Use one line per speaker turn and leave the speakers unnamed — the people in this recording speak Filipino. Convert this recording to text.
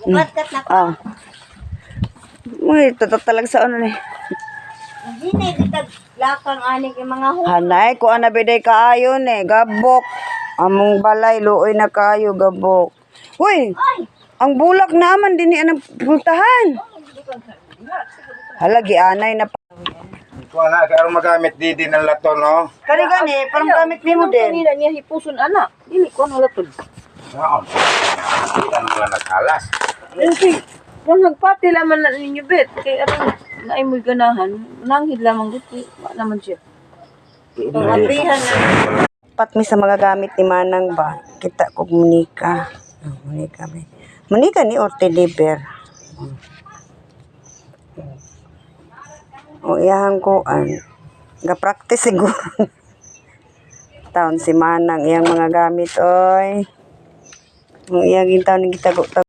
Kat na ko.
Ah. Uy, tatalag sa ano ni.
Hindi na itag lakang aning yung mga hu.
Hanay, ko ana biday kaayo ni, gabok. Among balay, luoy na kayo, gabok. Uy, ang bulak naman din ni anang puntahan. Hala, gianay na pa.
Ito na, kaya magamit di ng lato, no?
Kani gani, parang gamit ni mo din.
Kanina niya hipuson ana. Dili ko ano latod.
Oo. Kita naman nagkalas.
Kasi kung nagpati laman na ninyo bet kay aron naay mo ganahan, nanghid lamang gusto wa naman siya.
Abrihan na.
Pat mi sa mga gamit ni Manang ba? Kita ko Monica. Monica ba? Monica ni Orte Liber. O iyang kuan. Ga-practice siguro. Taon si Manang iyang mga gamit oy. O iyang taon ni gitago